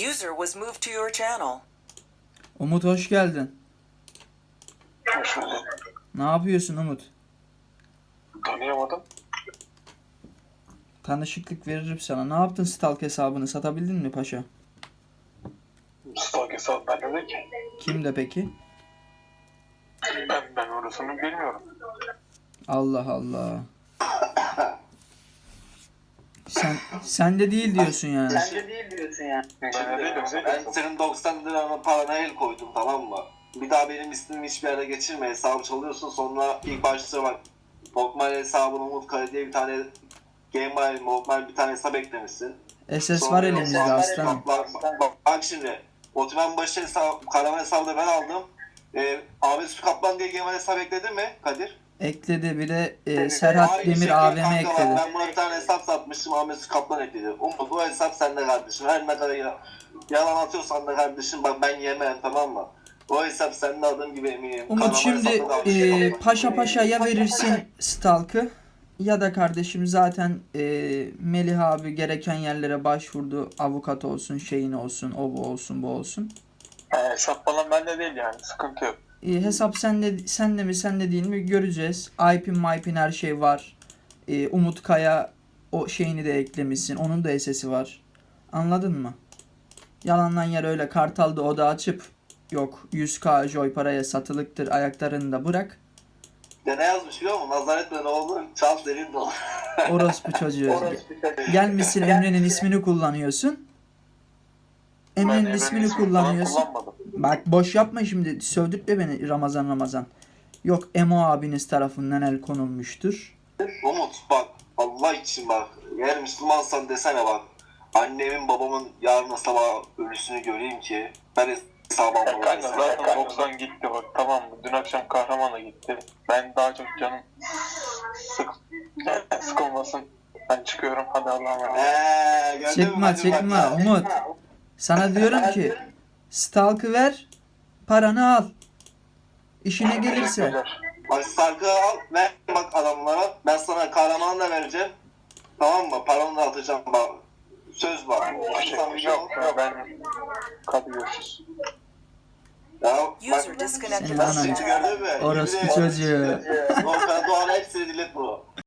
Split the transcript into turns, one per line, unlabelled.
User was moved to your channel.
Umut hoş geldin.
Hoş bulduk.
Ne yapıyorsun Umut?
Tanıyamadım.
Tanışıklık veririm sana. Ne yaptın stalk hesabını? Satabildin mi paşa?
Stalk hesabı bende de ki.
Kimde peki?
Ben orasını bilmiyorum.
Allah Allah. Sen de değil diyorsun yani.
Sen de değil diyorsun yani.
Ben de değilim.
Ben senin 90 liranın parana el koydum, tamam mı? Bir daha benim ismimi hiçbir yere geçirme, hesabı çalıyorsun. Sonra ilk başta bak, Lokmal hesabını Umut Kale diye bir tane Gmail, Lokmal bir tane hesap eklemişsin.
SS var elimizde aslanım.
Bak şimdi, Otoban başı hesabı, Karaman hesabı da ben aldım. Ahmet Sütü Kaplan diye Gmail hesap ekledin mi Kadir?
Ekledi, bir de Serhat
Aynı
Demir
şekilde
AVM
kanka
ekledi.
Ben buna bir tane hesap satmıştım, Ahmet Sütü Kaplan ekledi. Umut bu hesap sende kardeşim. Her ne kadar yalan atıyorsan da kardeşim bak ben yemem, tamam mı? O hesap sende, adım gibi eminim.
Umut
Karaman
şimdi
hesabı da aynı şekilde.
paşa paşa ya verirsin stalk'ı ya da kardeşim zaten Melih abi gereken yerlere başvurdu. Avukat olsun, şeyin olsun, o bu olsun, bu olsun.
Hesap falan bende değil yani. Sıkıntı yok.
Hesap sende mi sende değil mi göreceğiz. IP'in her şey var. Umut Kaya o şeyini de eklemişsin. Onun da SS'i var. Anladın mı? Yalandan yer öyle Kartal'da oda açıp yok 100k joy paraya satılıktır ayaklarını da bırak.
Ya ne yazmış biliyor musun? Nazar etme ne olur? Çal derin dolu.
Orospu çocuğu. Gelmişsin Emre'nin ismini kullanıyorsun. Emre'nin
Ben
ismini
falan
kullanıyorsun.
kullanmadım.
Bak boş yapma şimdi. Sövdürtme beni Ramazan. Yok Emo abiniz tarafından el konulmuştur.
Umut bak, Allah için bak. Eğer Müslümansan desene bak. Annemin babamın yarın sabah ölüsünü göreyim ki ben hesabı
Kanka
almalıyım.
zaten 90 gitti bak, tamam mı? Dün akşam Kahraman'a gitti. Ben daha çok canım sıkılmasın. Ben çıkıyorum, hadi Allah'a emanet.
Gördün mü?
Çıkma
Hadi
çıkma
bak.
Umut. Sana diyorum ki stalk'ı ver, paranı al. İşine gelirse.
Teşekkürler.
Bak sarkı al, ver bak adamlara. Ben sana kahramanı da vereceğim. Tamam mı? Paranı da atacağım bak. Söz var.
Yok ya, ben hadi görüşürüz.
Ya
User
bak,
disconnected.
Senin
nasıl
anan.
gördün mü?
Orospu
Yüzde-
çocuğu.
Volkan Doğan'a hepsini dilet bu.